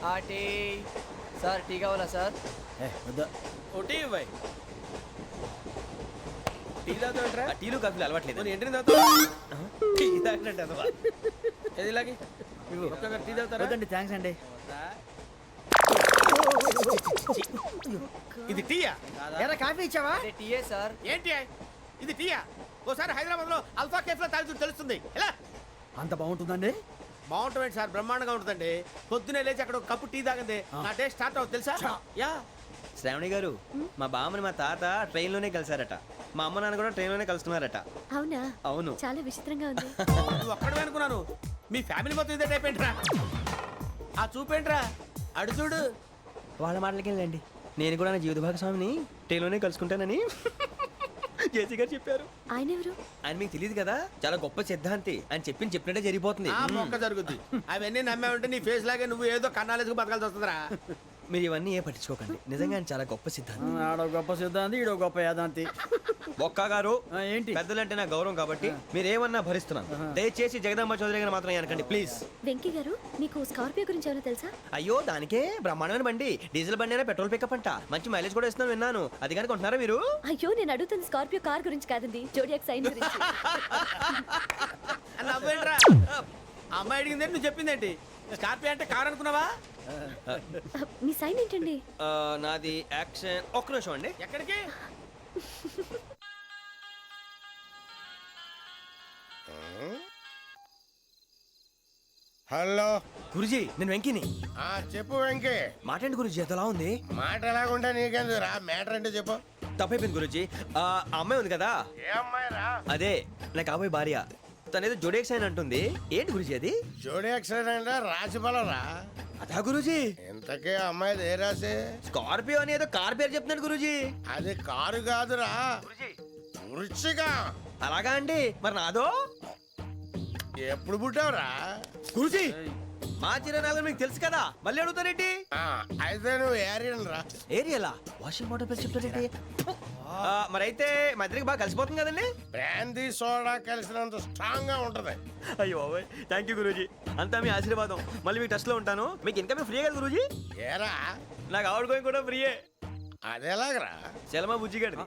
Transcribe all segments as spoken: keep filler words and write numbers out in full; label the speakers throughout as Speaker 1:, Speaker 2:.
Speaker 1: ఆ tea sir tea కావాలా sir?
Speaker 2: ఏ వద్దా
Speaker 3: ఒకటి ఇవ్వాయి. టీ తాగుతాంట్రా?
Speaker 4: టీలు కాఫీలు అలవాట్లేదు.
Speaker 3: నేను ఎంట్రీ తాగుతా.
Speaker 4: టీ తాగినట్టు అదవా.
Speaker 3: ఏది ఇలాగే ఒక్కొక్కరు టీ తాగుతారా?
Speaker 2: వద్దండి, థ్యాంక్స్ అండి.
Speaker 3: ఇది టీయా?
Speaker 2: ఎరా కాఫీ ఇచ్చావా?
Speaker 1: అదే టీయే సార్.
Speaker 3: ఏంటి ఇది టీయా? ఓసారి హైదరాబాద్ లో అల్ఫా కేఫ్ లో తాగుతూ తెలుస్తుంది. ఎలా
Speaker 2: అంత బాగుంటుందండి?
Speaker 3: బాగుంటుంది సార్, బ్రహ్మాండంగా ఉంటుందండి. పొద్దునే లేచి అక్కడ ఒక కప్పు టీ తాగింది నా డే స్టార్ట్ అవుతుంది తెలుసా? యా
Speaker 4: శ్రావణి గారు, మా బామ్మని మా తాత ట్రైన్ లోనే కలిసారట. మా అమ్మ నాన్న కూడా ట్రైన్ లోనే కలుస్తున్నారట.
Speaker 5: అవునా?
Speaker 4: అవును.
Speaker 5: చాలా విచిత్రంగా ఉంది.
Speaker 3: నువ్వు ఒక్కడే అనుకున్నాను, మీ ఫ్యామిలీ మొత్తం ఇదే టైప్ ఏంట్రా? ఆ చూపేంట్రా అడు చూడు.
Speaker 4: వాళ్ళ మాటలకి వెళ్ళండి. నేను కూడా నా జీవిత భాగస్వామిని ట్రైన్ లోనే కలుసుకుంటానని జేసీ గారు చెప్పారు.
Speaker 5: ఆయన ఎవరు?
Speaker 4: ఆయన మీకు తెలియదు కదా, చాలా గొప్ప సిద్ధాంతి అని చెప్పింది చెప్పినట్టే జరిగిపోతుంది.
Speaker 3: ఆ మొక్క జరుగుద్ది. అవన్నీ నమ్మే ఉంటే నీ ఫేస్ లాగే నువ్వు ఏదో కన్నాలేసుకు బతకాల్సి వస్తుందిరా.
Speaker 4: మీరు ఇవన్నీ ఏ పట్టించుకోకండి. నిజంగా ఆయన చాలా గొప్ప సిద్ధాంతి.
Speaker 2: ఆడో గొప్ప సిద్ధాంతి, ఈడో గొప్ప యాదాంతి.
Speaker 4: బొక్క గారు,
Speaker 2: ఆ, ఏంటి?
Speaker 4: పెద్దలంటే నా గౌరవం కాబట్టి మీరు ఏమన్నా భరిస్తున్నాను. దయచేసి జగదాంబ చౌదరి గారు మాత్రం అనకండి ప్లీజ్.
Speaker 5: వెంకీ గారు, మీకు స్కార్పియో గురించి ఏమైనా తెలుసా?
Speaker 4: అయ్యో దానికే బ్రహ్మాండమైన బండి. డీజిల్ బండి అయినా పెట్రోల్ పికప్ అంట. మంచి మైలేజ్ కూడా ఇస్తున్నాను విన్నాను. అది కనుక ఉంటున్నారా మీరు?
Speaker 5: అయ్యో, నేను అడుగుతుంది స్కార్పియో కార్ గురించి కాదండి, జోడియాక్ సైన్ గురించి.
Speaker 3: నవ్వేంట్రా? అమ్మాయి అడిగింది నువ్వు చెప్పిందేంటి? స్కార్పియో అంటే కారు అనుకున్నావా?
Speaker 5: మీ సైన్ ఏంటండి?
Speaker 4: ఆ, నాది యాక్షన్. ఒక్క నిమిషం అండి.
Speaker 3: ఎక్కడికి?
Speaker 6: హలో
Speaker 4: గురుజీ, నేను వెంకిని.
Speaker 6: ఆ చెప్పు వెంకీ.
Speaker 4: మాటండి గురుజీ, ఎంతలా ఉంది?
Speaker 6: మాట ఎలాగుంటా నీకెందుకు రా, మ్యాటర్ అంటే చెప్పు.
Speaker 4: తప్పైపోయింది గురుజీ. ఆ అమ్మాయి ఉంది కదా,
Speaker 6: ఏ అమ్మాయి రా?
Speaker 4: అదే నా కాబోయే భార్య. తనేదో జోడేక్స్ అని అంటుంది. ఏంటి గురుజీ అది?
Speaker 6: జోడి యాక్సిడెంట్ రాసి బలరా?
Speaker 4: అదా గురుజీ.
Speaker 6: ఇంతకే అమ్మాయిది ఏ రాసి?
Speaker 4: స్కార్పియో అని ఏదో కార్ పేరు చెప్తున్నాడు గురుజీ.
Speaker 6: అది కారు కాదురా, వృచ్చిక.
Speaker 4: అలాగా అండి, మరి నాదో?
Speaker 6: ఎప్పుడు పుట్టావురా?
Speaker 4: గురుజీ, మా చిరనాలు మీకు తెలుసు కదా, మళ్ళీ అడుగుతారేంటి?
Speaker 6: ఆ, అయితే నువ్వు ఏరియన్ రా.
Speaker 4: ఏరియలా? వాషింగ్ వాటర్ పేరు చెప్తారేంటి? మరైతే మా ఇద్దరికి బాగా కలిసిపోతుంది కదండి.
Speaker 6: బ్రాందీ సోడా కలిసినంత స్ట్రాంగ్ గా ఉంటది.
Speaker 4: అయ్యో థ్యాంక్ యూ గురూజీ, అంతా మీ ఆశీర్వాదం. మళ్ళీ మీ టచ్ లో ఉంటాను. మీకు ఇంకా ఫ్రీ కదా గురూజీ?
Speaker 6: ఏరా
Speaker 4: నాకు ఆవిడ గోయింగ్ కూడా ఫ్రీయే.
Speaker 6: అదేలాగరా?
Speaker 4: చలమా బుజ్జి గారిది.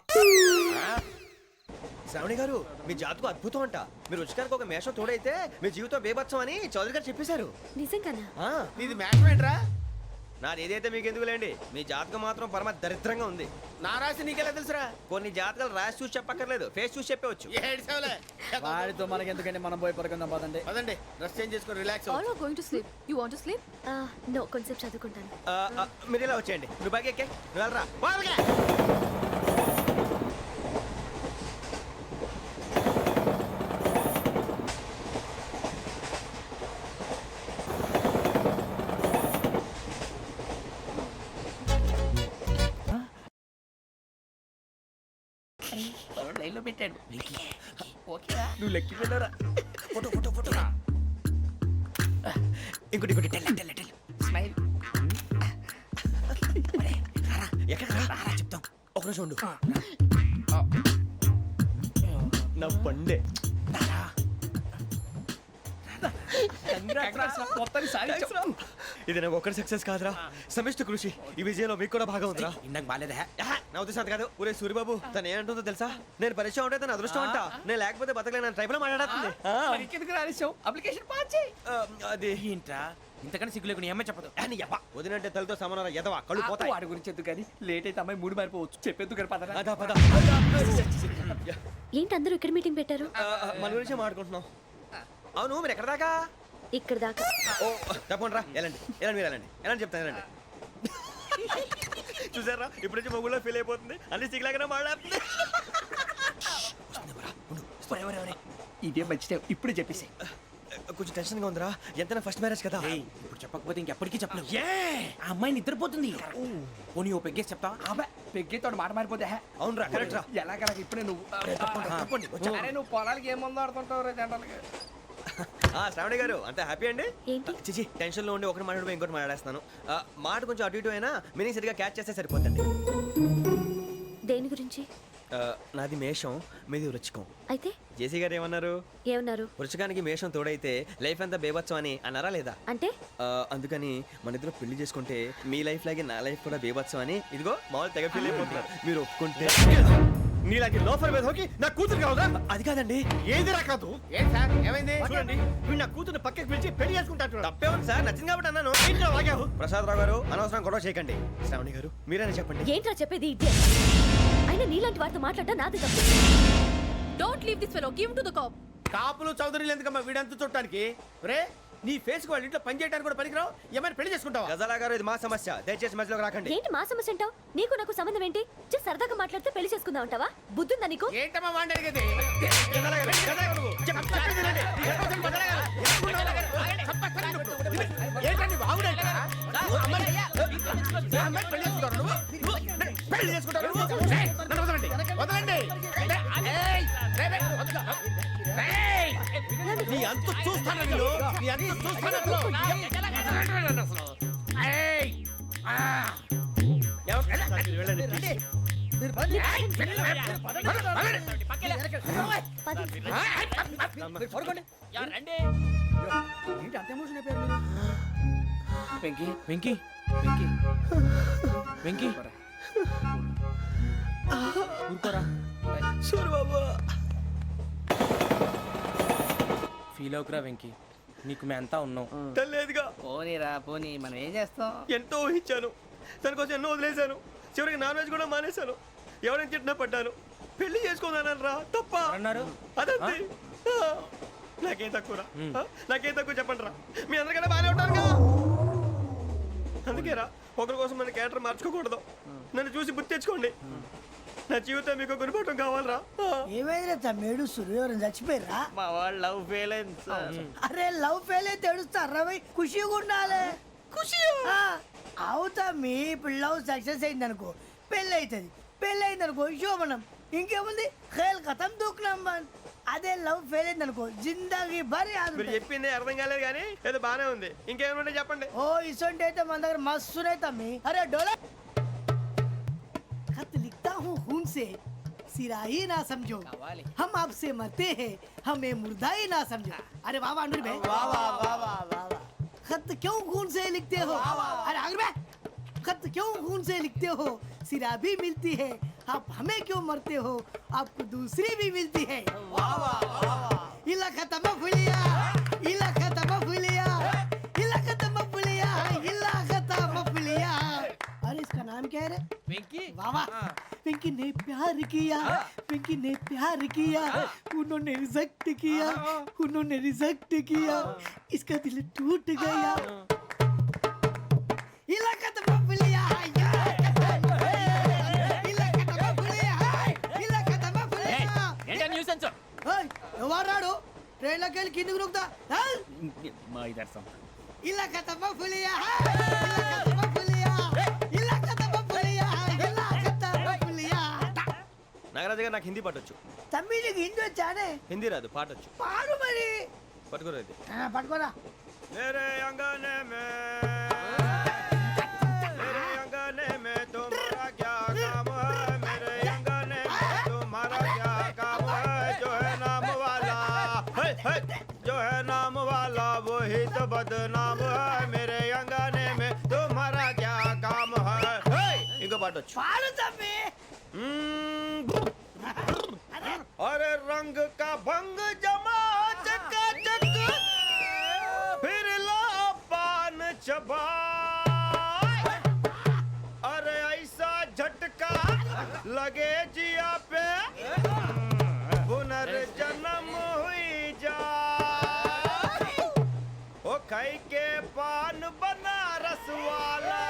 Speaker 4: శ్రావణి గారు, మీ జాతకు అద్భుతం అంట. మీరు రుచికారికి ఒక మేషం తోడైతే మీ జీవితం బేబత్సం అని చౌదరి గారు చెప్పేశారు.
Speaker 5: నిజంగానా?
Speaker 4: ఆ,
Speaker 3: నీది మ్యాటర్ ఏంట్రా?
Speaker 4: నాది ఏదైతే మీకు ఎందుకులేండి, మీ జాతకం మాత్రం పరమ దరిద్రంగా ఉంది.
Speaker 3: నా రాసి నీకెలా తెలుసురా?
Speaker 4: కొన్ని జాతకాలు రాసి చూసి చెప్పక్కర్లేదు, ఫేస్ చూసి చెప్పవచ్చు.
Speaker 3: ఏడ్చావులే.
Speaker 2: వాడితో మనకి ఎందుకండి, మనం పోయి పడుకుందాం పదండి.
Speaker 3: పదండి, డ్రెస్ చేంజ్ చేసుకొని relax
Speaker 7: All are going to sleep. You want to sleep?
Speaker 5: No, కొంచెం చదువుకుంటాను.
Speaker 4: ఆ, ఆ, మీరు ఇలా వచ్చేయండి. నువ్వు బాగా ఎక్కే, నువ్వు వెళ్ళరా.
Speaker 3: వాళ్ళకే లైన్లో పెట్టాడు.
Speaker 4: నువ్వు లెక్కి వెళ్ళరా. ఫోటో ఫోటో ఫోటో ఇంకోటి ఇంకోటి టెల్ టెల్ టెల్
Speaker 3: స్మైల్.
Speaker 4: ఎక్కడ రా చెప్తాం. ఒక నిమిషం ఉండు. నా పండే ఇది నాకు ఒక్కరి సక్సెస్ కాదురా, సమిష్టి కృషి. ఈ విజయంలో మీకు కూడా భాగం ఉందిరా.
Speaker 3: ఇందాక బాగాలేదా?
Speaker 4: ఆహా, నా ఉద్దేశం అది కాదు. ఊరే సూరిబాబు, తను ఏమంటుందో తెలుసా? నేను పరిచయం ఉంటే తన అదృష్టం అంట. నేను లేకపోతే బతకలేను ట్రైబ్ లో మాట్లాడుతుంది.
Speaker 3: ఇంకెందుకు రాలేసావు? అప్లికేషన్ పాస్ చేయి.
Speaker 4: అది
Speaker 3: ఏంట్రా ఇంతకన్నా సిగ్గు లేకుండా ఏమై చెప్పదు.
Speaker 4: అని ఎవ్వ వదినంటే తలతో సమానం ఎదవా, కళ్ళు పోతాయి.
Speaker 3: వాడి గురించి ఎందుకు కానీ లేట్ అయితే అమ్మాయి మూడు మారిపోవచ్చు. చెప్పేందుకు కానీ పద.
Speaker 4: అదా పద.
Speaker 5: ఏంటి అందరూ ఇక్కడ మీటింగ్ పెట్టారు?
Speaker 4: ఆ, ఆ, మన గురించే మాట్లాడుకుంటున్నాం. అవును, మీరు ఎక్కడ దాకా?
Speaker 5: ఇక్కడ దాకా.
Speaker 4: ఓ తప్పకుండా రా, వెళ్ళండి వెళ్ళండి, మీరు వెళ్ళండి వెళ్ళండి చెప్తాను, వెళ్ళండి. చూసారా, ఇప్పుడు నుంచి మొగుల్లో ఫీల్ అయిపోతుంది. అన్ని సిగ్లాగానే మాట్లాడుతుంది.
Speaker 3: ఇదే మంచి ఇప్పుడు చెప్పేసి.
Speaker 4: కొంచెం టెన్షన్గా ఉందిరా, ఎంతైనా ఫస్ట్ మ్యారేజ్ కదా.
Speaker 3: ఇప్పుడు చెప్పకపోతే ఇంకెప్పటికీ చెప్పలేవు. ఆ అమ్మాయి నిద్రపోతుంది. పోనీ ఓ పెగ్గేసి చెప్తా. అబ్బా పెగ్గేతో మాట మారిపోతే.
Speaker 4: అవునరా, కరెక్ట్ రా.
Speaker 3: ఎలాగలా ఇప్పుడే నువ్వు అరే నువ్వు పొలాలకి ఏం మందు ఆడుతుంటావు రే జనరల్గా.
Speaker 4: ఆ శ్రావణి గారు, అంత హ్యాపీ అండి?
Speaker 5: ఏంటి?
Speaker 4: చిచి, టెన్షన్ లో ఉండి ఒకటి మాట్లాడిపోయి ఇంకోటి మాట్లాడేస్తాను. ఆ, మాట కొంచెం అటు ఇటు అయినా మీనింగ్ సరిగా క్యాచ్ చేస్తే సరిపోతుంది.
Speaker 5: దేని గురించి?
Speaker 4: ఆ, నాది మేషం, మీది వృచ్చికం.
Speaker 5: అయితే
Speaker 4: జేసీ గారు ఏమన్నారు?
Speaker 5: ఏమన్నారు?
Speaker 4: వృషకానికి మేషం తోడైతే లైఫ్ అంతా బేబత్సం అని అన్నారా లేదా?
Speaker 5: అంటే
Speaker 4: ఆ, అందుకని మన ఇద్దరు పెళ్లి చేసుకుంటే మీ లైఫ్ లాగే నా లైఫ్ కూడా బేబత్సం అని ఇదిగో మామూలు తెగ పెళ్లి అయిపోతున్నారు. మీరు ఒప్పుకుంటే
Speaker 2: నీలాంటి లోఫర్ మీద హోకి నా కూతురు కావదా?
Speaker 4: అది కాదండి.
Speaker 2: ఏది రాకాదు?
Speaker 6: ఏం సార్ ఏమైంది?
Speaker 2: చూడండి వీడు నా కూతురు పక్కకి పిలిచి పెళ్లి చేసుకుంటాడు.
Speaker 4: తప్పే ఉంది సార్, నచ్చింది కాబట్టి అన్నాను.
Speaker 2: ఏంట్రా వాగావు?
Speaker 4: ప్రసాద్ రావు గారు అనవసరం గొడవ చేయకండి. శ్రావణి గారు మీరైనా చెప్పండి.
Speaker 5: ఏంట్రా చెప్పేది? ఇదే అయినా నీలాంటి వారితో మాట్లాడటం నాది తప్పు.
Speaker 7: Don't leave this fellow. Give him to the cop.
Speaker 2: కాపులు చౌదరులు ఎందుకమ్మా వీడంతా చుట్టానికి? రే నీ ఫేస్ కు వాళ్ళ ఇంట్లో పని చేయడానికి కూడా పనికిరావు. ఏమైనా పెళ్లి చేసుకుంటావా?
Speaker 4: గజాలా గారు ఇది మా సమస్య, దయచేసి మధ్యలోకి రాకండి.
Speaker 5: ఏంటి మా సమస్య అంటావు? నీకు నాకు సంబంధం ఏంటి? జస్ట్ సరదాగా మాట్లాడితే పెళ్లి చేసుకుందాం అంటావా? బుద్ధుందా నీకు?
Speaker 6: ఏంటమ్మా వాడి అడిగేది?
Speaker 4: గజాలా గారు, గజాలా గారు, చెప్పు, చెప్పేది వినండి.
Speaker 6: ఏంటండి బాగుండేట? పెళ్లి చేసుకుంటారు నువ్వు? నువ్వు పెళ్లి చేసుకుంటారు నువ్వు? ఏయ్, నన్ను వదలండి వదలండి. ఏయ్, రేయ్, రేయ్, వదలు. రేయ్, నీ అంత చూస్తాను నేను. నీ అంత చూస్తాను అసలు. వదలండి నన్ను అసలు. ఏయ్, ఆ.
Speaker 4: వెళ్ళండి, please.
Speaker 6: ఏయ్, వదలండి, వదలండి.
Speaker 5: పది.
Speaker 2: ఏంటి అంత ఎమోషన్ అయిపోయారు మీరు?
Speaker 3: వెంకీ వెంకీ వెంకీ వెంకీ ఊరుకోరా.
Speaker 4: సూరిబాబు.
Speaker 3: ఫీల్ అవుకురా వెంకీ, నీకు మేమంతా ఉన్నాం.
Speaker 4: తెలియదుగా.
Speaker 1: పోనీరా పోనీ, మనం ఏం చేస్తాం?
Speaker 4: ఎంతో ఊహించాను, దానికోసం ఎన్నో వదిలేశాను. చివరికి నాన్ వెజ్ కూడా మానేశాను. ఎవరైనా తిట్టినా పడ్డాను. పెళ్లి చేసుకోదానని రా తప్ప
Speaker 3: అన్నారు
Speaker 4: అదంతే. ఆ, నాకేం తక్కువ నాకేం తక్కువ చెప్పండి రా. మీ అందరికన్నా బాగానే ఉంటారు కదా. అందుకే రా, ఒకరి కోసం మన క్యారెక్టర్ మార్చుకోకూడదు. నన్ను చూసి గుర్తు తెచ్చుకోండి. నా జీవితం మీకు గురిపటం కావాలరా.
Speaker 8: ఏమైనా తమ్మేడు సూర్యవరం చచ్చిపోయిరా?
Speaker 1: మా వాళ్ళు లవ్ ఫెయిల్ అయింది సార్.
Speaker 8: అరే లవ్ ఫెయిల్ అయితే ఏడుస్తారా? ఖుషిగా ఉండాలి. ఖుషి అవుతా మీ ఇప్పుడు లవ్ సక్సెస్ అయింది అనుకో పెళ్ళి అవుతుంది. పెళ్ళి అయింది అనుకో శోభనం. ఇంకేముంది ఖేల్ కథం దూకునాం బాన్. అదే లవ్ ఫెయిల్ అయింది అనుకో జిందాగీ భారీ
Speaker 4: మీరు చెప్పింది అర్థం కాలేదు కానీ ఏదో బానే ఉంది. ఇంకేమైనా చెప్పండి.
Speaker 8: ఓ ఇసొంటి అయితే మన దగ్గర మస్తునే తమ్మి. అరే డోలా खत लिखता हूँ खून से सिरा ही ना समझो हम आपसे मरते हैं हमें मुर्दा ही ना समझो. अरे वाह वाह अनुर भाई वाह वाह वाह वाह वाह. खत क्यों खून से लिखते हो? अरे अनुर भाई खत क्यों खून से लिखते हो? सिरा भी मिलती है आप हमें क्यों मरते हो? आपको दूसरी भी मिलती है. वाह वाह वाह. इला खत्म फुलिया इला खत्म फुलिया इला खत्म फुलिया इला खत्म फुलिया. अरे इसका नाम क्या है रे?
Speaker 1: వెంకీ.
Speaker 8: वाह वाह. पिंकी ने प्यार किया पिंकी ने प्यार किया उन्होंने रिजेक्ट किया उन्होंने रिजेक्ट किया इसका दिल टूट गया. इलाका तो बबलिया इलाका तो बबलिया इलाका तो बबलिया.
Speaker 1: ఏంటా న్యూసెన్స్?
Speaker 8: ओए ఎవరాడు ట్రైన్ లోకి వెళ్ళి కిందికి నొక్కుతా.
Speaker 1: మా ఇదర్సం.
Speaker 8: ఇలాకా तो बबलिया इलाका तो बबलिया इलाका तो बबलिया इलाका तो बबलिया.
Speaker 4: నాగరాజు గారు నాకు హిందీ పాటొచ్చు.
Speaker 8: తమ్మి నీకు హిందీ వచ్చానే?
Speaker 4: హిందీ రాదు, పాటొచ్చు.
Speaker 8: పాడు మరి.
Speaker 4: పట్టుకోలేదు.
Speaker 8: ఆ, పట్టుకోరా.
Speaker 4: मेरे अंगने में मेरे अंगने में तुम्हारा क्या काम है? मेरे अंगने में तुम्हारा क्या काम है? जो है नाम वाला है, है, जो है नाम वाला वही तो बदनाम है. मेरे अंगने में तुम्हारा क्या काम है? है, इनको पाटो.
Speaker 8: పాడు తమ్మి.
Speaker 4: अरे रंग का भंग जमा चकाचक फिर ला पान चबा. अरे ऐसा झटका लगे जिया पे पुनर्जन्म हुई जा. ओ खाई के पान बनारस वाला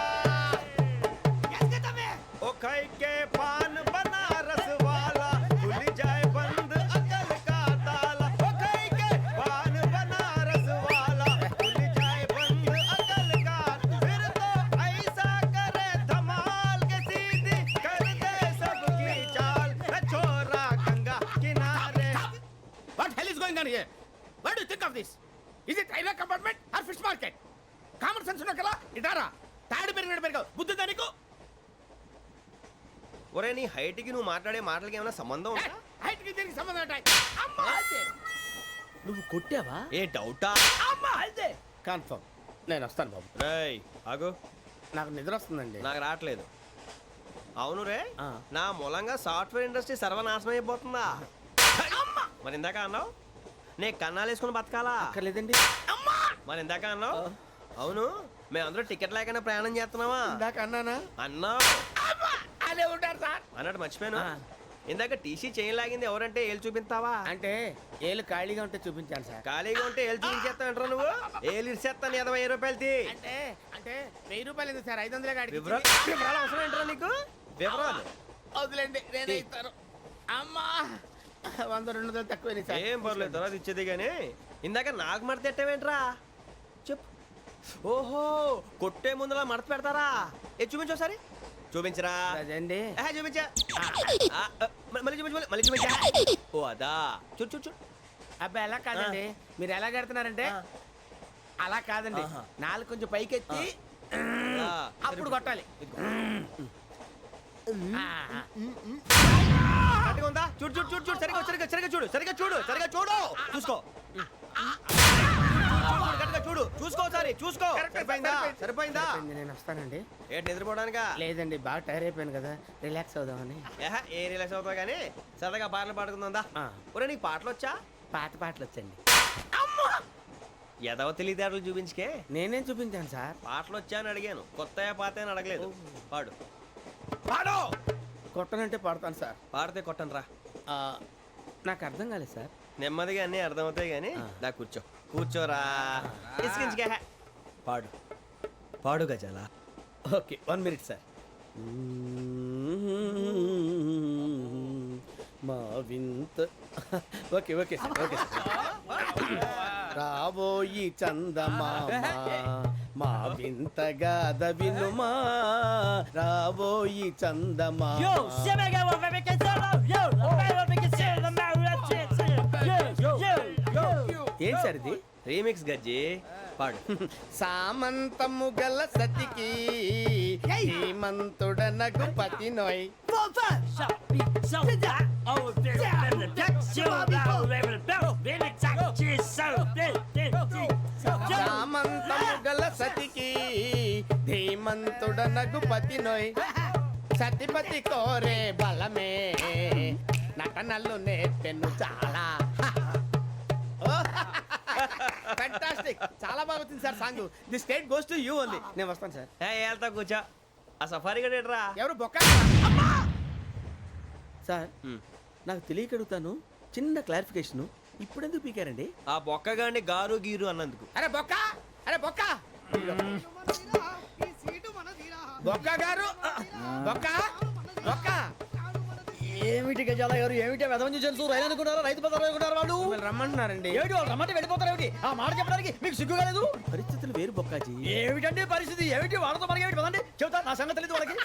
Speaker 4: ओ खाई के पान बनारस वाला खुल जाए बंद अकल का ताला. ओ खाई के पान बनारस वाला खुल जाए बंद अकल का. फिर तो ऐसा करे धमाल के सीधी कर दे सबकी चाल. छोरा गंगा किनारे.
Speaker 6: What hell is going on here? What do you think of this? Is it railway compartment or fish market? Common sense ఉన్న కదా ఇటారా. తాడు పెరిగినట్టు పెరిగావు. బుద్ధి దానికి.
Speaker 4: ఒరే నీ హైట్కి నువ్వు మాట్లాడే మాటలకి ఏమైనా సంబంధం ఉందా?
Speaker 2: హైట్ కి దీనికి సంబంధం ఉంటాయి అమ్మా అదే
Speaker 3: నువ్వు కొట్టావా?
Speaker 4: ఏ డౌటా?
Speaker 2: అమ్మా అదే కన్ఫర్మ్ నేను వస్తాను బాబు.
Speaker 4: రేయ్ ఆగు,
Speaker 2: నాకు నిద్ర వస్తుందండి.
Speaker 4: నాకు రావట్లేదు. అవును రే,
Speaker 2: ఆ.
Speaker 4: నా మూలంగా సాఫ్ట్వేర్ ఇండస్ట్రీ సర్వనాశనం అయిపోతుందా? మరి ఇందాక అన్నావు నే కన్నాలు వేసుకుని బతకాలా?
Speaker 2: అక్కర్లేదండి.
Speaker 4: మరి ఇందాక అన్నావు అవును మేమందరూ టికెట్ లేకుండా ప్రయాణం చేస్తున్నావా?
Speaker 2: ఇందాక అన్నానా?
Speaker 4: అన్నావు.
Speaker 2: అదే ఉంటారు సార్.
Speaker 4: అన్నట్టు మర్చిపోయాను.
Speaker 2: ఆ.
Speaker 4: ఇందాక టీసీ చైన్ లాగింది ఎవరంటే ఏళ్ళు చూపిస్తావా?
Speaker 2: అంటే ఏళ్ళు ఖాళీగా ఉంటే చూపించాను సార్.
Speaker 4: ఖాళీగా ఉంటే ఏళ్ళు చూపించేస్తావు నువ్వు. ఏళ్ళు ఇచ్చేస్తాను ఇరవై రూపాయలు తీ.
Speaker 2: అంటే అంటే వెయ్యి రూపాయలు ఎందుకు సార్? ఐదు వందలే కాడికి
Speaker 4: వివరాలు వివరాలు అవసరం ఏంట్రా నీకు? వివరాలు
Speaker 2: వదిలేండి నేనే ఇస్తాను. అమ్మా వంద రెండు వందలు తక్కువ సార్.
Speaker 4: ఏం పర్లేదు తర్వాత ఇచ్చేది కానీ ఇందాక నాకు మడత పెట్టావేంట్రా? చెప్పు. ఓహో కొట్టే ముందులా మడత పెడతారా? ఏ చూపించు ఒకసారి. చూపించరా?
Speaker 2: అదండి.
Speaker 4: ఆహా, చూపించా. ఆ, ఆ, మ- మళ్ళీ చూపించు మళ్ళీ- మళ్ళీ చూపించా. ఓ అదా చూడు చూడు చూడు.
Speaker 2: అబ్బాయి ఎలా కాదండి, మీరు ఎలా కడుతున్నారంటే అలా కాదండి. నాలుగు కొంచెం పైకెత్తి
Speaker 4: ఆ,
Speaker 2: అప్పుడు కొట్టాలి. ఆ, ఆ.
Speaker 4: కరెక్ట్గా ఉందా? చూడు చూడు చూడు చూడు సరిగా సరిగా సరిగా చూడు సరిగా చూడు సరిగా చూడు చూసుకో. చూడు, కరెక్ట్గా చూడు చూసుకో ఒకసారి చూసుకో. సరిపోయిందా? సరిపోయిందా?
Speaker 2: సరిపోయింది, నేను వస్తానండి.
Speaker 4: ఏంటి నిద్రపోవడానికా?
Speaker 2: లేదండి బాగా టైర్ అయిపోయాను కదా, రిలాక్స్ అవుదామని.
Speaker 4: ఏహ, ఏ రిలాక్స్ అవుతావు కానీ సరదాగా పాటలు పాడుకుందా?
Speaker 2: ఆ.
Speaker 4: ఒరే నీకు పాటలు వచ్చా?
Speaker 2: పాత పాటలు వచ్చండి.
Speaker 4: ఎదవ తెలివితేటలు చూపించుకే.
Speaker 2: నేనేం చూపించాను సార్?
Speaker 4: పాటలు వచ్చా అని అడిగాను, కొత్త పాత అని అడగలేదు. పాడు పాడు.
Speaker 2: కొట్టనంటే పడతాను సార్.
Speaker 4: పాడితే కొట్టను రా.
Speaker 2: ఆ, నాకు అర్థం కాలేదు సార్.
Speaker 4: నెమ్మదిగా అన్నీ అర్థమవుతాయి కానీ దా కూర్చో కూర్చోరా. ఇసుకించుకే. పాడు పాడు గజాల.
Speaker 2: Okay one minute sir. మా వింత okay okay sir okay sir. రాబోయి చందమామ మా వింత గాథ వినుమా, రాబోయి చందమామ. ఏంటి సార్ ఇది?
Speaker 4: రీమిక్స్ గజ్జి. పాడు.
Speaker 2: సామంతము గల సతికి హేమంతుడనగు పతి నోయ్. సామంతము గల సతికి ధీమంతుడనగు పతి నోయ్. సతిపతి కోరే బలమే నటనలు నేర్పెను చాలా. ఫ్యాంటాస్టిక్, చాలా బాగా వచ్చింది sir song. The state goes to you only. నేను వస్తాను సార్.
Speaker 4: ఏ వెళ్తా కూర్చో. ఆ సఫారీ గడేట్రా.
Speaker 2: ఎవరు బొక్క సార్? నాకు తెలియక అడుగుతాను, చిన్న క్లారిఫికేషన్. ఇప్పుడు ఎందుకు పీకారండి?
Speaker 4: ఆ బొక్కగాడిని గారు గీరు అన్నందుకు.
Speaker 2: అరే బొక్క, అరే బొక్క, బొక్క గారు, బొక్క బొక్క.
Speaker 3: ఏమిటి గజాల గారు, ఏమిటి వెదవం చూసారు? రైలు అనుకున్నారా? రైతు బజార్ అనుకున్నారు వాళ్ళు?
Speaker 2: మిమ్మల్ని రమ్మంటున్నారండి.
Speaker 3: ఏమిటి వాళ్ళు రమ్మంటే వెళ్ళిపోతారు? ఏమిటి ఆ మాట చెప్పడానికి మీకు సిగ్గు కాలేదు?
Speaker 2: పరిస్థితులు వేరు బొక్కాజీ.
Speaker 3: ఏమిటండి పరిస్థితి? ఏమిటి వాళ్ళతో మనకి ఏమిటి? పదండి చెబుతా, నా సంగతి తెలియదు వాళ్ళకి.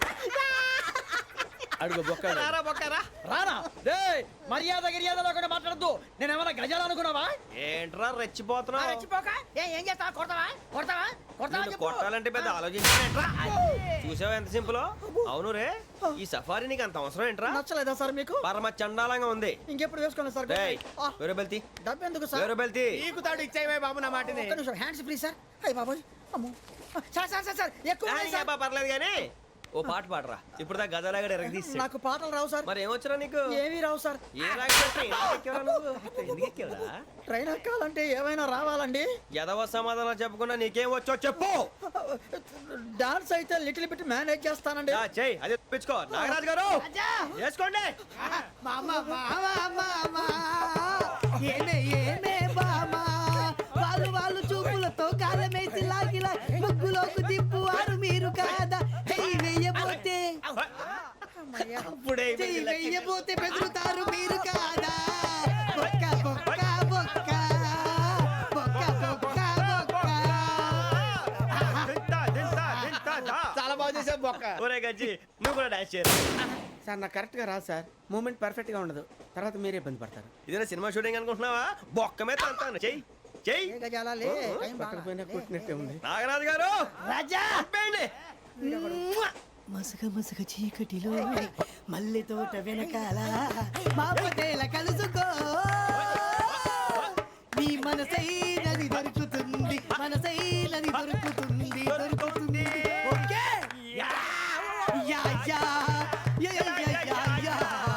Speaker 2: అడుగు బొక్క.
Speaker 4: రారా బొక్కరా.
Speaker 3: రానా రే, మర్యాద గిర్యాద లేకుండా మాట్లాడద్దు. నేను ఏమన్నా గజాలు అనుకున్నావా?
Speaker 4: ఏంట్రా రెచ్చిపోతున్నావు?
Speaker 3: ఏం చేస్తావా? కొడతావా? కొడతావా? కొడతావా?
Speaker 4: నిన్ను కొట్టాలంటే పెద్ద ఆలోచించానేంట్రా. చూసావా ఎంత సింపుల్? అవును రే, ఈ సఫారీ నీకు అంత అవసరం ఏంట్రా?
Speaker 3: నచ్చలేదా సార్ మీకు?
Speaker 4: పరమ చండాలంగా ఉంది.
Speaker 3: ఇంకెప్పుడు వేసుకోండి సార్.
Speaker 4: రేయ్, వేరే బెల్తి
Speaker 3: డబ్బు ఎందుకు సార్?
Speaker 4: వేరే బెల్తి.
Speaker 2: నీకు తాడు ఇచ్చాయి బాబు నా మాటని.
Speaker 3: ఒక్క నిమిషం, హ్యాండ్స్ ఫ్రీ సార్. అయ్య బాబోయ్, అమ్మో. సార్ సార్ సార్ సార్ ఎక్కువ ఉన్నాయి సార్.
Speaker 4: పర్లేదు కానీ ఓ పాట పాడరా. ఇప్పుడు దా గదలాగడ ఎరగదీసి.
Speaker 3: నాకు పాటలు రావు సార్.
Speaker 4: మరి ఏమొచ్చరా నీకు?
Speaker 3: ఏమీ రావు సార్.
Speaker 4: ఏ రాకపోతే ఎందుకు ఎక్కేవరా నువ్వు? ఎందుకు ఎక్కేవరా?
Speaker 3: ట్రైన్ ఎక్కాలంటే ఏమైనా రావాలండి?
Speaker 4: ఎదవ సమాధానం చెప్పకుండా నీకేం వచ్చో చెప్పు.
Speaker 3: డాన్స్ అయితే లిటిల్ బిట్ మేనేజ్ చేస్తానండి.
Speaker 4: ఆ, చెయ్ అదే తెప్పించుకో. నాగరాజు గారు వేసుకోండి.
Speaker 8: మామ మామ మామ ఏమే ఏమే బామా, వాళ్ళు వాళ్ళు చూపులతో కాలమేసి లాగిలా ముగ్గులోకి దిప్పువారు మీరు కాదా? చెయ్యి వెయ్యబోతే
Speaker 4: అప్పుడే
Speaker 8: చెయ్యి వెయ్యబోతే బెదురుతారు మీరు కాదా? బొక్క బొక్క బొక్క బొక్క బొక్క బొక్క.
Speaker 4: దింతా, దింతా, దింతా, దా.
Speaker 2: చాలా బాగా చేసావు బొక్క.
Speaker 4: ఒరే గజ్జి నువ్వు కూడా డాన్స్ చేయరు.
Speaker 2: సార్ నాకు కరెక్ట్ గా రాదు సార్. మూమెంట్ పర్ఫెక్ట్ గా ఉండదు, తర్వాత మీరే ఇబ్బంది పడతారు.
Speaker 4: ఇదేనా సినిమా షూటింగ్ అనుకుంటున్నావా? బొక్క మీద తంతాను. చెయ్యి చెయ్యి.
Speaker 3: ఏ గజాలా లే, టైం
Speaker 2: పక్కన
Speaker 3: బాగా.
Speaker 2: పోయినా కొట్టినట్టే ఉంది.
Speaker 4: నాగరాజు గారు
Speaker 8: రాజా
Speaker 4: పంపేయండి.
Speaker 8: మసగ మసగ చీకటిలో మల్లె తోట వెనకాల మా పటేల కలుసుకో నీ మనసైనది దొరుకుతుంది మనసైనది దొరుకుతుంది దొరుకుతుంది okay yeah yeah yeah yeah yeah yeah yeah yeah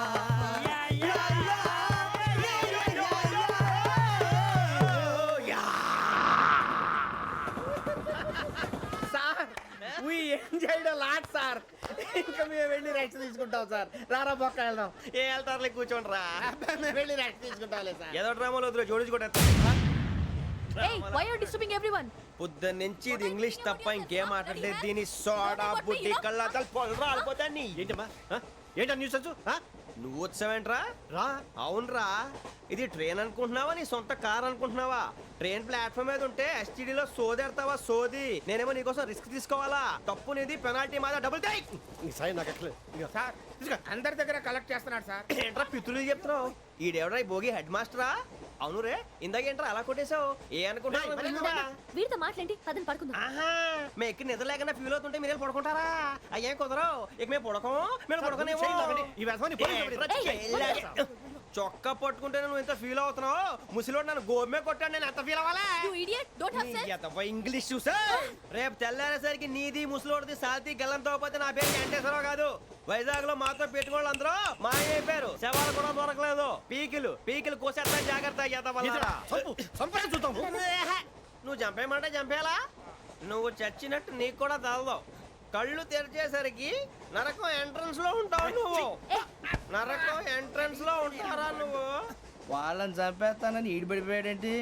Speaker 6: sir we enjoyed a lot sir ఇంకా మేము వెళ్ళి రెస్ట్ తీసుకుంటాం సార్ రారా బొక్క వెళ్దాం
Speaker 4: ఏ వెళ్తారులే కూర్చోండి రా
Speaker 6: అబ్బా, మేము వెళ్ళి రెస్ట్ తీసుకుంటాంలే సార్
Speaker 4: ఏదో డ్రామాలో వద్దు జోడించుకుంటా
Speaker 7: Hey, why are you disturbing everyone?
Speaker 4: పొద్దున్న నుంచి ఇది ఇంగ్లీష్ తప్ప ఇంకేం మాట్లాడలేదు దీని సోడా బుద్ధి కళ్ళ పొలం రాలిపోతా నీ ఏంటమ్మా ఆ? ఏంటా న్యూస్ వచ్చు ఆ? నువ్వు వచ్చావేంట్రా రా అవునరా ఇది ట్రైన్ అనుకుంటున్నావా నీ సొంత కార్ అనుకుంటున్నావా ట్రైన్ ప్లాట్ఫామ్ మీద ఉంటే ఎస్టీడీలో సోదేడతావా సోది నేనేమో నీకోసం రిస్క్ తీసుకోవాలా తప్పు నీది పెనాల్టీ మాదా డబుల్ టై
Speaker 6: సార్ నాకు ఎట్లేదు సార్ తీసుకో. అందరి దగ్గర కలెక్ట్ చేస్తున్నాడు సార్
Speaker 4: ఏంట్రా పితులు చెప్తున్నావు ఈడెవడ్రా ఈ భోగి హెడ్ మాస్టరా అవును రే ఇందాకేంట్రా అలా కొట్టేశావు ఏ అనుకుంటున్నావు
Speaker 5: వీడితో మాట్లాడి పదని పడుకుందాం.
Speaker 4: ఆహా మేము ఎక్కి నిద్ర లేకుండా ఫీల్ అవుతుంటే మీరే పడుకుంటారా అయ్యేం కుదరవు ఇక మేము పడకం మేము పడకనేమో
Speaker 6: ఈ వ్యసనాన్ని పోలీసులు
Speaker 4: చొక్కా పట్టుకుంటే నువ్వు ఎంత ఫీల్ అవుతున్నావు ముసిలోడు నన్ను గోమే కొట్టాడు నేను ఎంత ఫీల్ అవ్వాలా
Speaker 7: You idiot! Don't have sense.
Speaker 4: English చూసా రేపు తెల్లారేసరికి నీది ముసలోడిది సాల్తీ గల్లంతో పోతే నా పేరు వెంకటేశ్వరరావు కాదు వైజాగ్ లో మాతో పెట్టుకోళ్ళు అందరూ మాయైపోయారు శవాలు కూడా దొరకలేదు పీకిలు పీకిలు కోసేస్తా జాగ్రత్త
Speaker 6: చూద్దాం
Speaker 4: నువ్వు చంపేయమంటే చంపేలా నువ్వు చచ్చినట్టు నీకు కూడా తగదు కళ్ళు తెరిచేసరికి నరకం ఎంట్రన్స్ లో ఉంటావు నువ్వు నరకం ఎంట్రన్స్ లో ఉంటారా నువ్వు
Speaker 1: వాళ్ళని చంపేస్తానని ఈడిపడిపోయాడేంటి?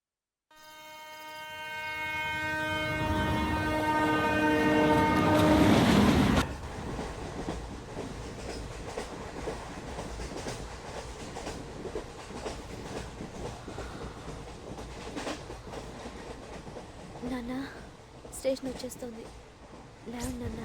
Speaker 5: నాన్న స్టేషన్ వచ్చేస్తుంది లేవండి నాన్న.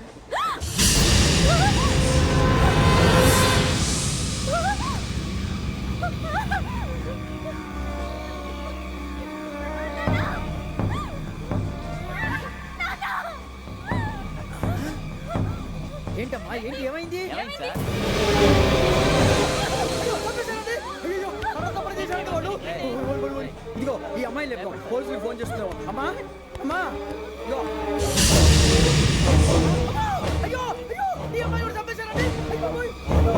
Speaker 3: ఏంటమ్మా ఏంటి ఏమైంది
Speaker 1: ఏమైంది సార్?
Speaker 3: ఇదిగో ఈ అమ్మాయి లేపు పోలీసులకు ఫోన్ చేస్తున్నావు అమ్మా అమ్మా ఇదిగో. అయ్యో అయ్యో ఈ అమ్మాయి కూడా చంపేశారండి అయ్యో, బాబోయ్.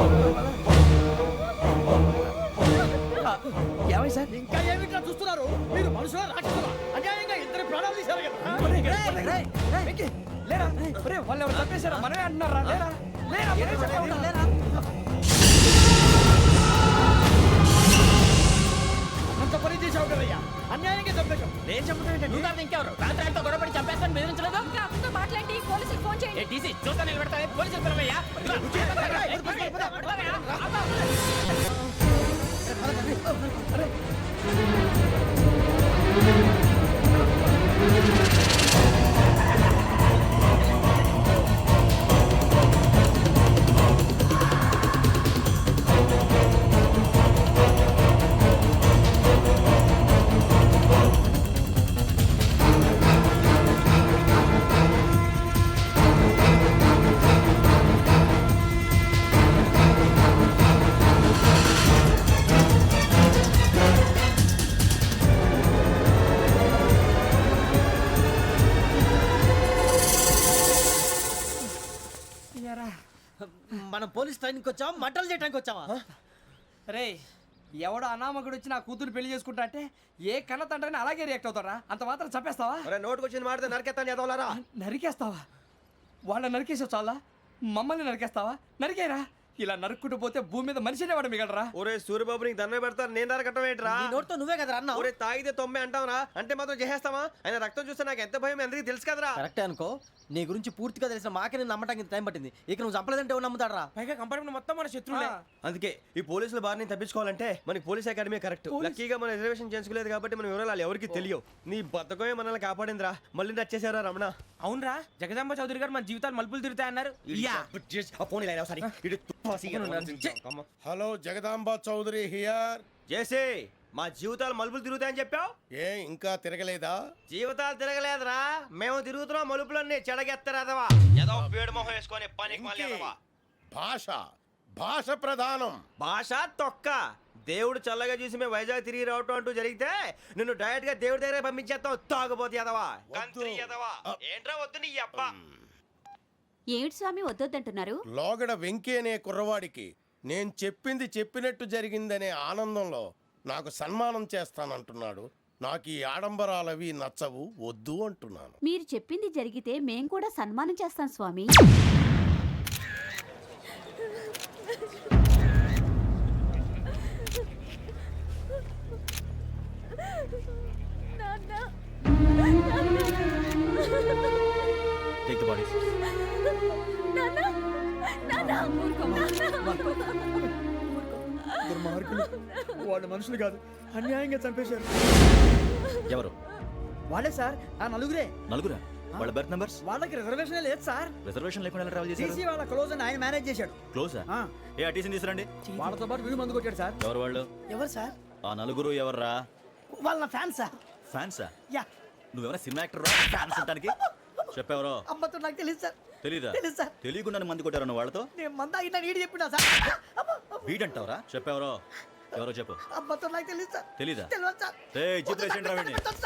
Speaker 3: ఏమై సార్ ఇంకా ఏమిట్లా చూస్తున్నారు మీరు మనుషుల రాక్షసులా అన్యాయంగా ఇద్దరు ప్రాణాలు తీశారు కదా లేరా వాళ్ళు ఎవరు చంపేశారా మనమే అంటున్నారా లేరా లేరా మనమే చెప్పాలా? లేరా అంత పని చేసావు కదయ్యా అన్యాయంగా చంపేశావు
Speaker 4: నేను చెప్తాను
Speaker 1: నువ్వు కాదు ఇంకెవరు? రాత్రి ఆయనతో గొడవపడి చంపేస్తాను బెదిరించలేదు?
Speaker 7: ఇంకా అతనితో మాట్లాడి పోలీసులకు ఫోన్ చేయండి.
Speaker 1: ఏ టీసీ చూస్తా నిలబెడతా పోలీసులు పిలవయ్యా.
Speaker 6: మనం పోలీస్ ట్రైన్కి వచ్చావా మంటలు చేయడానికి వచ్చావా
Speaker 3: రే ఎవడో అనామకుడు వచ్చి నా కూతురు పెళ్లి చేసుకుంటా అంటే ఏ కన్న తండ్రిని అలాగే రియాక్ట్ అవుతారా అంత మాత్రం చంపేస్తావా
Speaker 4: నోటుకు వచ్చింది మాడితే నరకెత్తాను చదవాలరా
Speaker 3: నరికేస్తావా వాళ్ళ నరికేసావు చాలా మమ్మల్ని నరికేస్తావా నరికేరా ఇలా నరుక్కుంటూ పోతే భూమి మీద మనిషినే వాడు మిగలరా
Speaker 4: ఒరే సూర్యబాబు నీకు దండ పెడతాను నేను నరకటం ఏంట్రా
Speaker 6: నోటితో నువ్వే కదా అన్నా
Speaker 4: ఒరే తాగితే తొమ్మే అంటావురా అంటే మాత్రం చేసేస్తావా ఆయన రక్తం చూస్తే నాకు ఎంత భయం అందరికీ తెలుసు కదరా
Speaker 6: కరెక్టే అనుకో నీ గురించి పూర్తిగా తెలిసిన మాకే నేను నమ్మటానికి టైం పట్టింది ఇక నువ్వు చంపలేదంటే ఎవరు నమ్ముతాడరా
Speaker 3: పైగా కంపార్ట్మెంట్ మొత్తం మన శత్రువులే
Speaker 4: అందుకే ఈ పోలీసుల బారిని తప్పించుకోవాలంటే మనకి పోలీస్ అకాడమీ కరెక్ట్ లక్కీగా మనం రిజర్వేషన్ చేసుకోలేదు కాబట్టి మన వివరాలు ఎవరికి తెలియవు నీ బద్దకమే మనల్ని కాపాడిందిరా మళ్ళీ నచ్చేసారా రమణ
Speaker 3: అవునరా జగదాంబ చౌదరి గారు మన జీవితాలు మలుపులు తిరుగుతాయన్నారు
Speaker 4: అన్నారు
Speaker 9: హలో జగదాంబ చౌదరి హియర్
Speaker 4: చేసే మా జీవితాలు మలుపులు తిరుగుతాయని చెప్పావు.
Speaker 6: ఏ ఇంకా తిరగలేదా?
Speaker 4: జీవితాలు తిరగలేదురా, మేము తిరుగుతున్నాం మలుపులన్నీ. చెడగెత్తరాదవా ఏదో పేడు మొహం వేసుకొని పని
Speaker 6: వెంకీ, భాష భాష ప్రధానం.
Speaker 4: భాష తొక్క. దేవుడు చల్లగా చూసి మేము వైజాగ్ తిరిగి రావటం అంటూ జరిగితే నిన్ను డైరెక్ట్ గా దేవుడి దగ్గర పంపించేస్తాం. తాగబోతు ఎదవా, కంత్రి ఎదవా. ఏంట్రా వద్దు నీ అబ్బా.
Speaker 7: ఏమిటి స్వామి వద్దొద్దంటున్నారు?
Speaker 6: లోగడ వెంకీ అనే కుర్రవాడికి నేను చెప్పింది చెప్పినట్టు జరిగిందనే ఆనందంలో నాకు సన్మానం చేస్తానంటున్నాడు. నాకు ఈ ఆడంబరాలవి నచ్చవు, వద్దు అంటున్నాను.
Speaker 7: మీరు చెప్పింది జరిగితే మేం కూడా సన్మానం చేస్తాం స్వామి.
Speaker 9: Take the bodies.
Speaker 3: దుర్మార్గులు, వాళ్ళు మనుషులు కాదు, అన్యాయంగా చంపేశారు.
Speaker 9: ఎవరు?
Speaker 3: వాళ్ళే సార్, ఆ నలుగురే.
Speaker 9: నలుగురా? వాళ్ళ బర్త్ నంబర్స్?
Speaker 3: వాళ్ళకి రిజర్వేషన్ లేదు సార్.
Speaker 9: రిజర్వేషన్ లేకుండా ఎలా ట్రావెల్ చేశారు?
Speaker 3: టీసీ వాళ్ళ క్లోజ్ అని ఆయన మేనేజ్ చేశాడు.
Speaker 9: క్లోజా?
Speaker 3: ఆ.
Speaker 9: ఏ ఆ టీసీని తీసుకురండి.
Speaker 3: వాళ్ళతో పాటు వీడు మందు కొట్టాడు సార్.
Speaker 9: ఎవరు వాళ్ళు?
Speaker 8: ఎవరు సార్?
Speaker 9: ఆ నలుగురు ఎవర్రా?
Speaker 8: వాళ్ళ నా ఫ్యాన్ సార్.
Speaker 9: ఫ్యాన్సా?
Speaker 8: యా.
Speaker 9: నువ్వెవరా సినిమా యాక్టర్ రా ఫ్యాన్స్ అంటానికి? చెప్పెవరో?
Speaker 8: అమ్మతో నాకు తెలియదు సార్.
Speaker 9: తెలీదా?
Speaker 8: తెలీదు సార్.
Speaker 9: తెలియకుండా మంది కొట్టారు వాళ్ళతో?
Speaker 8: నేను మంద అయినా నీడి చెప్పినా సార్. అమ్మ, అమ్మ.
Speaker 9: వీడంటావరా? చెప్పెవరో? ఎవరో చెప్పు.
Speaker 8: అమ్మతో నాకు తెలియదు సార్.
Speaker 9: తెలీదా?
Speaker 8: తెలియదు సార్.
Speaker 9: ఏ జీప్ వేసేయండి రా వీడిని.